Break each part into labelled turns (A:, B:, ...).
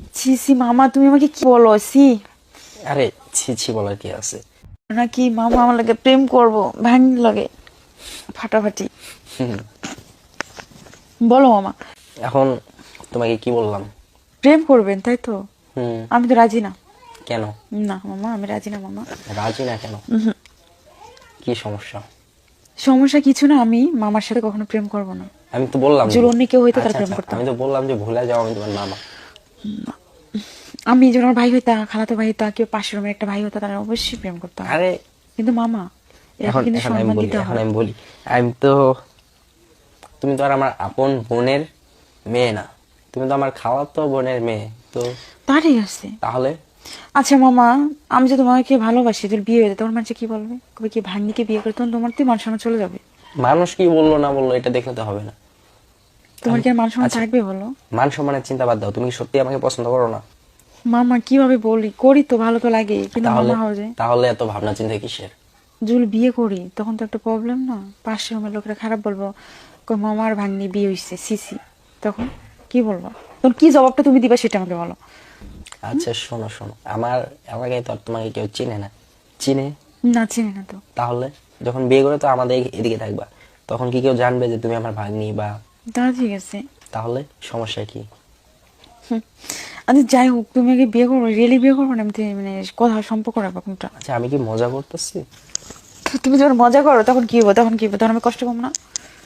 A: ছি ছি মামা, তুমি আমাকে কি বলো? ছি
B: আরে ছি ছি বলার কি আছে?
A: নাকি মামা আমার লাগে প্রেম করবো, ভাঙি লাগে ফাটাফাটি।
B: হুম,
A: বলো মামা।
B: এখন তোমাকে কি বললাম?
A: প্রেম করবেন তাই তো?
B: হুম।
A: আমি তো রাজি না।
B: কেন
A: না মামা, আমি রাজি না মামা।
B: রাজি না কেন? কি সমস্যা?
A: সমস্যা কিছু না, আমি মামার সাথে কখনো প্রেম করব না।
B: আমি তো বললাম যে
A: যদি অন্য কেউ হইতো তার
B: আচ্ছা
A: প্রেম
B: আচ্ছা,
A: করতাম।
B: আমি তো বললাম যে ভুলে যাও, আমি তোমার মামা।
A: আমি যখন আমার ভাই হইতা, খালাতো ভাই হইতা, কেউ পাশের রুমের একটা ভাই হতো, তারা অবশ্যই প্রেম করতাম।
B: আরে
A: কিন্তু মামা, এরকম
B: এখন
A: কিন্তু
B: এখন আমি
A: সম্মান
B: বলি,
A: দিতে
B: এখন
A: হয়।
B: আমি বলি, আমি তো, তুমি তো আর আমার আপন বোনের মেয়ে না, তুমি তো আমার খালাতো বোনের মেয়ে। তো
A: তা ঠিক আছে।
B: তাহলে
A: আচ্ছা মামা, আমি যে তোমাকে ভালোবাসি, তোর বিয়ে হয়ে যায়, তোমার মানুষ কি বলবে? কবে কি ভাগ্নিকে বিয়ে করে, তখন তোমার তো মান সম্মান চলে যাবে।
B: মানুষ কি বললো না বললো এটা দেখলে তো হবে না।
A: তোমার কি আর মান সম্মান
B: আচ্ছা,
A: থাকবে বলো?
B: মান সম্মানের চিন্তা বাদ দাও, তুমি কি সত্যি আমাকে পছন্দ করো না?
A: মামা কিভাবে বলি, করি তো, ভালো তো লাগে, কিন্তু
B: তাহলে
A: মামা হও যে
B: তাহলে এত ভাবনা চিন্তা কিসের?
A: যদি বিয়ে করি তখন তো একটা প্রবলেম না? পাশের রুমের লোকেরা খারাপ বলবো, কই মামার ভাগ্নি বিয়ে হইছে, সিসি। তখন কি বলবো? তখন কি জবাবটা তুমি দিবা সেটা আমাকে বলো।
B: আচ্ছা শোনো শোনো, আমার এলাকায় তো আর তোমাকে কেউ চিনে না। চিনে?
A: না, চিনি না তো।
B: তাহলে যখন বিয়ে করে তো আমাদের এদিকে থাকবা, তখন কি কেউ জানবে যে তুমি আমার ভাগ্নি বা?
A: তা ঠিক আছে।
B: তাহলে সমস্যা কি?
A: আচ্ছা যাই হোক, তুমি আগে বিয়ে করবো, রিয়েলি বিয়ে করবো না এমনি মানে কথা সম্পর্ক রাখবো কোনটা?
B: আচ্ছা আমি কি মজা করতেছি?
A: তুমি যখন মজা করো তখন কি হবো? তখন কি হবো? তখন আমি কষ্ট পাবো না?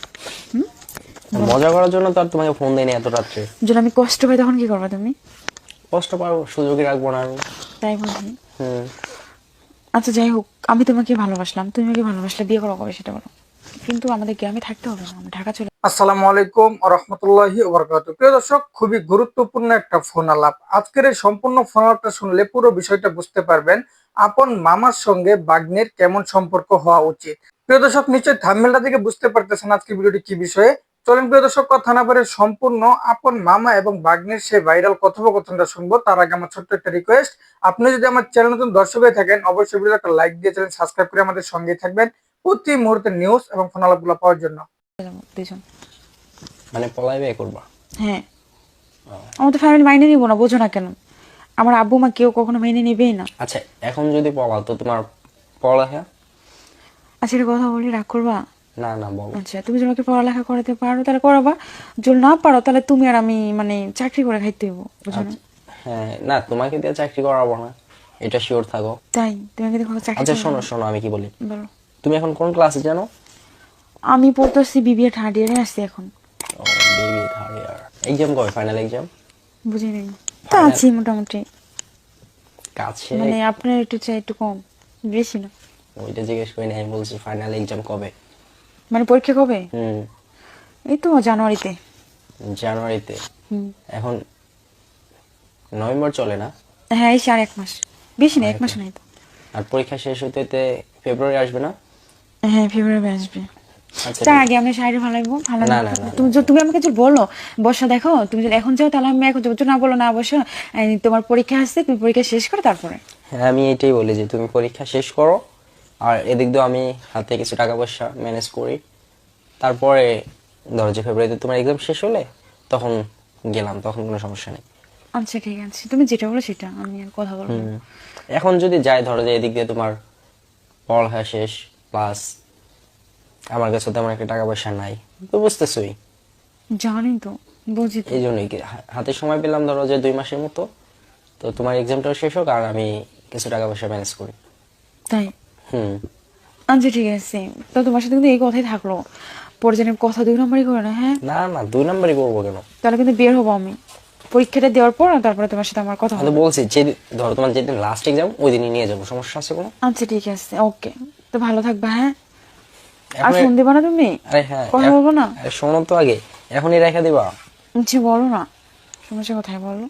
B: মজা করার জন্য তো আর তোমাকে ফোন দেয়নি এত রাত্রে।
A: যদি আমি কষ্ট পাই তখন কি করবো তুমি?
B: কষ্ট পাবো, সুযোগই রাখবো না আমি।
A: তাই বলছি।
B: হুম।
A: আচ্ছা যাই হোক, আমি তোমাকে ভালোবাসলাম, তুমি আমাকে ভালোবাসলে, বিয়ে করো কবে সেটা বলো। কিন্তু আমাদের গ্রামে থাকতে হবে না, আমরা ঢাকা চলে।
C: আসসালামু আলাইকুম রহমতুল্লাহি ওবরাকাতুহু। প্রিয় দর্শক, খুবই গুরুত্বপূর্ণ একটা ফোন আলাপ। আজকের এই সম্পূর্ণ ফোন আলাপটা শুনলে পুরো বিষয়টা বুঝতে পারবেন। আপন মামার সঙ্গে ভাগ্নের কেমন সম্পর্ক হওয়া উচিত। প্রিয় দর্শক, নিশ্চয়ই থাম্বনেলটা থেকে বুঝতে পারতেছেন আজকে ভিডিওটি কি বিষয়ে। চলেন প্রিয় দর্শক, কথা না বলে সম্পূর্ণ আপন মামা এবং ভাগ্নের সেই ভাইরাল কথোপকথনটা শুনবো। তার আগে আমার ছোট্ট একটা রিকোয়েস্ট, আপনি যদি আমার চ্যানেল নতুন দর্শক হয়ে থাকেন, অবশ্যই ভিডিওটা একটা লাইক দিয়ে চ্যানেল সাবস্ক্রাইব করে আমাদের সঙ্গেই থাকবেন প্রতি মুহূর্তে নিউজ এবং ফোন আলাপগুলো পাওয়ার জন্য।
A: যাবো দুজন।
B: মানে পলাই বিয়ে করবা?
A: হ্যাঁ। আমার তো ফ্যামিলি মাইনে নিবো না, বোঝো না কেন? আমার আব্বু মা কেউ কখনো মেনে নেবেই না।
B: আচ্ছা এখন যদি পলাও তো তোমার পড়ালেখা?
A: আচ্ছা একটা কথা বলি, রাগ করবা?
B: না না বলো।
A: আচ্ছা তুমি যদি আমাকে পড়ালেখা করাতে পারো তাহলে করাবা, যদি না পারো তাহলে তুমি আর আমি মানে চাকরি করে খাইতে হইব, বুঝো না?
B: আচ্ছা, হ্যাঁ না তোমাকে দিয়ে চাকরি করাবো না, এটা শিওর থাকো।
A: তাই তুমি আমাকে দেখো চাকরি
B: আচ্ছা
A: করে
B: শোনো
A: দাও।
B: শোনো, আমি কি বলি,
A: বলো।
B: তুমি এখন কোন ক্লাসে জানো?
A: আমি পড়তেছি বিবিএ থার্ড ইয়ারে আছি এখন।
B: ও বেবি থার্ড ইয়ার। এক্সাম কবে, ফাইনাল এক্সাম?
A: বুঝি নাই। তা
B: ফাইনাল
A: আছি মোটামুটি।
B: কাছে?
A: মানে আপনার একটু চাই একটু কম, বেশি না।
B: ওইটা জিজ্ঞেস করি না, আমি বলছি ফাইনাল এক্সাম কবে।
A: মানে পরীক্ষা কবে?
B: হুম।
A: এই তো জানুয়ারিতে।
B: জানুয়ারিতে?
A: হুম।
B: এখন নভেম্বর চলে না?
A: হ্যাঁ এই আর 1 মাস, বেশি না,
B: আর
A: 1 মাস নাই তো।
B: আর পরীক্ষা শেষ হইতে হইতে ফেব্রুয়ারি আসবে না?
A: হ্যাঁ ফেব্রুয়ারি আসবে।
B: আচ্ছা
A: তার
B: ঠিক-
A: আগে আমরা শাড়ি ভালো লাগবো, ভালো
B: না
A: না
B: না না
A: তুমি
B: না।
A: তুমি আমাকে যদি বলো বসা দেখো, তুমি যদি এখন যাও তাহলে আমি এখন যাবো, যদি না বলো না বসো, তোমার পরীক্ষা আসছে, তুমি পরীক্ষা শেষ করো তারপরে।
B: হ্যাঁ আমি এটাই বলি যে তুমি পরীক্ষা শেষ করো, আর এদিক দিয়ে আমি হাতে কিছু টাকা পয়সা ম্যানেজ করি, তারপরে ধরো যে ফেব্রুয়ারিতে তোমার এক্সাম শেষ হলে তখন গেলাম, তখন কোনো সমস্যা নেই।
A: আচ্ছা ঠিক আছে, তুমি যেটা বলো সেটা, আমি আর কথা বলবো না।
B: এখন যদি যাই, ধরো যে এদিক দিয়ে তোমার পড়ালেখা শেষ, প্লাস আমার কাছে তেমন একটা টাকা পয়সা নাই, তো বুঝতেছই।
A: জানি তো, বুঝি তো।
B: এই জন্যই কি হাতে সময় পেলাম ধরো যে 2 মাসের মতো, তো তোমার এক্সামটাও শেষ হোক আর আমি কিছু টাকা পয়সা ম্যানেজ করি।
A: তাই?
B: হুম।
A: আচ্ছা ঠিক আছে, তো তোমার সাথে কিন্তু এই কথাই থাকলো, পরে যেন কথা 2 নম্বরই করে না, হ্যাঁ?
B: না না 2 নাম্বারই করবো কেন?
A: তাহলে কিন্তু বের হবো আমি পরীক্ষাটা দেওয়ার পর, আর তারপরে তোমার সাথে আমার কথা
B: আমি তো
A: হবে।
B: বলছি যে ধরো তোমার যেদিন লাস্ট এক্সাম ওই দিনই নিয়ে যাবো, সমস্যা আছে কোনো?
A: আচ্ছা ঠিক আছে, ওকে। তো ভালো থাকবা, হ্যাঁ? আর
B: এখন
A: ফোন দিবা না তুমি?
B: আরে হ্যাঁ
A: কথা বলবো না?
B: আরে শোনো তো আগে, এখনই রেখে দিবা?
A: আচ্ছা বলো না, সমস্যা কোথায় বলো?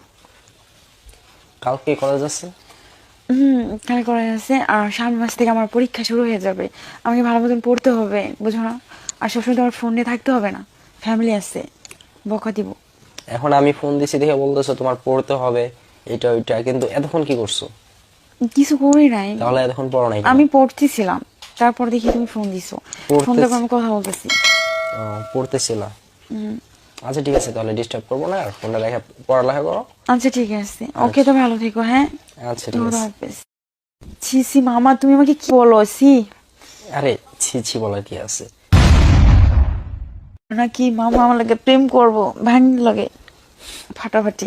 B: কালকে কলেজ আছে?
A: কালে করা আছে, আর সামনের মাস থেকে আমার পরীক্ষা শুরু হয়ে যাবে, আমাকে ভালো মতন পড়তে হবে, বুঝো না? আর সবসময় তোমার ফোন নিয়ে থাকতে হবে না, ফ্যামিলি আছে, বকা দিব।
B: এখন আমি ফোন দিছি দেখে বলতেছো তোমার পড়তে হবে এটা ওইটা, কিন্তু এতক্ষণ কি করছো?
A: কিছু করি নাই।
B: তাহলে এতক্ষণ পড়ো নাই কেন?
A: আমি পড়তেছিলাম, তারপর দেখি তুমি ফোন দিছো, ফোন
B: পড়তেছি।
A: দেওয়ার পর আমি কথা বলতেছি।
B: ও, পড়তেছিলা? আচ্ছা ঠিক আছে, তাহলে ডিস্টার্ব করবো না, আর ফোনটা রেখে পড়ালেখা করো।
A: আচ্ছা ঠিক আছে, ওকে, তো ভালো থেকো, হ্যাঁ।
B: আচ্ছা ঠিক
A: খোদা
B: আছে।
A: হাফেজ। ছি ছি মামা, তুমি আমাকে কি বলো? ছি
B: আরে ছি ছি বলার কি আছে?
A: নাকি মামা আমার লাগে প্রেম করবো, ভাঙ লাগে ফাটাফাটি।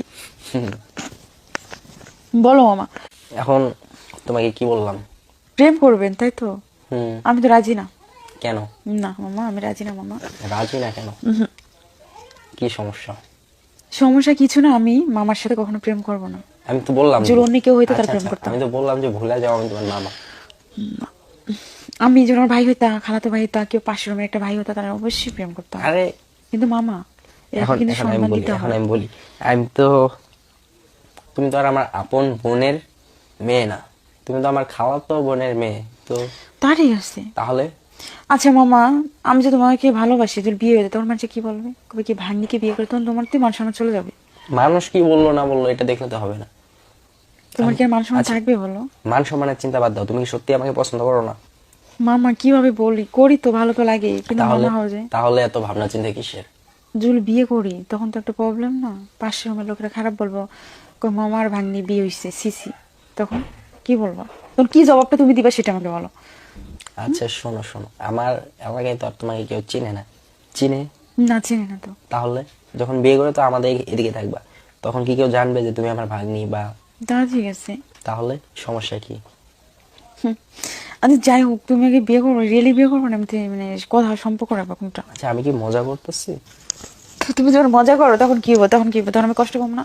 A: বলো মামা,
B: এখন তোমাকে কি বললাম?
A: প্রেম করবেন তাই তো?
B: হুম।
A: আমি তো রাজি না।
B: কেন
A: না মামা, আমি রাজি না মামা।
B: রাজি না কেন? কি সমস্যা?
A: সমস্যা কিছু না, আমি মামার সাথে কখনো প্রেম করব না।
B: আমি তো বললাম
A: যদি অন্য কেউ হইতো তার
B: আচ্ছা
A: প্রেম
B: আচ্ছা,
A: করতাম।
B: আমি তো বললাম যে ভুলে যাও, আমি তোমার মামা।
A: আমি যখন আমার ভাই হইতা, খালাতো ভাই হইতা, কেউ পাশের রুমের একটা ভাই হইতা, তারা অবশ্যই প্রেম করতাম।
B: আরে
A: কিন্তু মামা, এরকম
B: এখন
A: কিন্তু
B: এখন আমি
A: সম্মান
B: বলি,
A: দিতে
B: এখন
A: হয়।
B: আমি বলি, আমি তো, তুমি তো আর আমার আপন বোনের মেয়ে না, তুমি তো আমার খালাতো বোনের মেয়ে, তো
A: তা ঠিক আছে।
B: তাহলে
A: আচ্ছা মামা, আমি যে তোমাকে ভালোবাসি, যদি বিয়ে হয়ে যায় তখন মানুষ কি বলবে? কবে কি ভাগ্নিকে বিয়ে করে, তখন তোমার তো মান সম্মান চলে যাবে।
B: মানুষ কি বললো না বললো এটা দেখলে তো হবে না।
A: তোমার কি আর মান সম্মান
B: আচ্ছা,
A: থাকবে বলো?
B: মান সম্মানের চিন্তা বাদ দাও, তুমি কি সত্যি আমাকে পছন্দ করো না?
A: মামা কিভাবে বলি, করি তো, ভালো তো লাগে, কিন্তু
B: তাহলে
A: মামা হয়ে যায়।
B: তাহলে এত ভাবনা চিন্তা কিসের?
A: যদি বিয়ে করি তখন তো একটা প্রবলেম না, পাশের রুমের লোকেরা খারাপ বলবো, কই মামা আর ভাগ্নি বিয়ে হইছে, সিসি। তখন কি বলবো? তখন কি জবাবটা তুমি দিবা সেটা আমাকে বলো।
B: আচ্ছা শোনো শোনো, আমার এলাকায় তো আর তোমাকে কেউ চিনে না। চিনে?
A: না, চিনি না তো।
B: তাহলে যখন বিয়ে করে তো আমাদের এদিকে থাকবা, তখন কি কেউ জানবে যে তুমি আমার ভাগ্নি বা?
A: তা ঠিক আছে।
B: তাহলে সমস্যা কি?
A: আচ্ছা যাই হোক, তুমি আগে বিয়ে করবো, রিয়েলি বিয়ে করবো না এমনি মানে কথা সম্পর্ক রাখবো কোনটা?
B: আচ্ছা আমি কি মজা করতেছি?
A: তো তুমি যখন মজা করো তখন কি হবো? তখন কি হবো? তখন আমি কষ্ট পাবো না?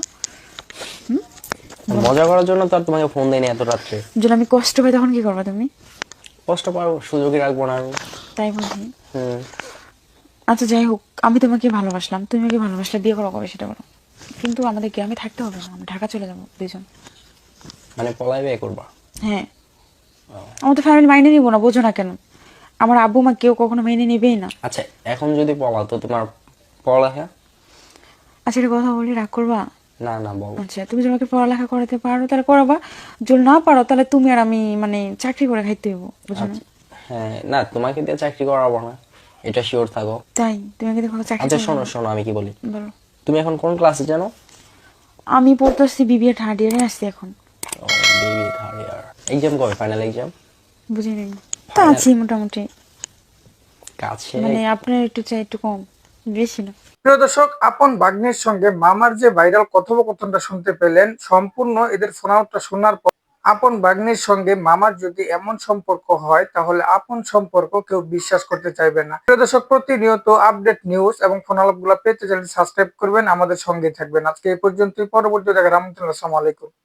B: মজা করার জন্য তো আর তোমাকে ফোন দেয়নি এত রাত্রে।
A: যদি আমি কষ্ট পাই তখন কি করবো তুমি?
B: কষ্ট পাবো, সুযোগই রাখবো না আমি।
A: তাই বুঝি।
B: হুম।
A: আচ্ছা যাই হোক, আমি তোমাকে ভালোবাসলাম, তুমি আমাকে ভালোবাসলে, বিয়ে করো কবে সেটা বলো। কিন্তু আমাদের গ্রামে থাকতে হবে না, আমরা ঢাকা চলে যাবো দুজন।
B: মানে পলাই বিয়ে করবা?
A: হ্যাঁ। আমার তো ফ্যামিলি মাইনে নিবো না, বোঝো না কেন? আমার আব্বু মা কেউ কখনো মেনে নেবেই না।
B: আচ্ছা এখন যদি পলাও তো তোমার পড়ালেখা?
A: আচ্ছা একটা কথা বলি, রাগ করবা?
B: না না বলো।
A: আচ্ছা তুমি যদি আমাকে পড়ালেখা করাতে পারো তাহলে করাবা, যদি না পারো তাহলে তুমি আর আমি মানে চাকরি করে খাইতে হইব, বুঝো না?
B: আচ্ছা, হ্যাঁ না তোমাকে দিয়ে চাকরি করাবো না, এটা শিওর থাকো।
A: তাই তুমি আমাকে দেখো চাকরি
B: আচ্ছা
A: করে
B: শোনো
A: খাবো।
B: শোনো, আমি কি বলি,
A: বলো।
B: তুমি এখন কোন ক্লাসে জানো?
A: আমি পড়তেছি বিবিএ থার্ড ইয়ারে আসছি এখন।
B: ও বেবি থার্ড ইয়ার, এক্সাম কবে, ফাইনাল এক্সাম?
A: বুঝি নাই। তা
B: Final?
A: আছি মোটামুটি,
B: কাছে?
A: মানে আপনার একটু চাই একটু কম, বেশি না।
C: প্রিয় দর্শক, আপন ভাগ্নের সঙ্গে মামার যে ভাইরাল কথোপকথনটা শুনতে পেলেন, সম্পূর্ণ এদের ফোন আউটটা শোনার পর আপন ভাগ্নের সঙ্গে মামার যদি এমন সম্পর্ক হয় তাহলে আপন সম্পর্ক কেউ বিশ্বাস করতে চাইবে না। প্রিয় দর্শক, প্রতিনিয়ত আপডেট নিউজ এবং ফোন আলাপগুলো পেতে চ্যানেল সাবস্ক্রাইব করবেন, আমাদের সঙ্গে থাকবেন। আজকে এই পর্যন্তই, পরবর্তী দেখার আমন্ত্রণ। আসসালামু আলাইকুম।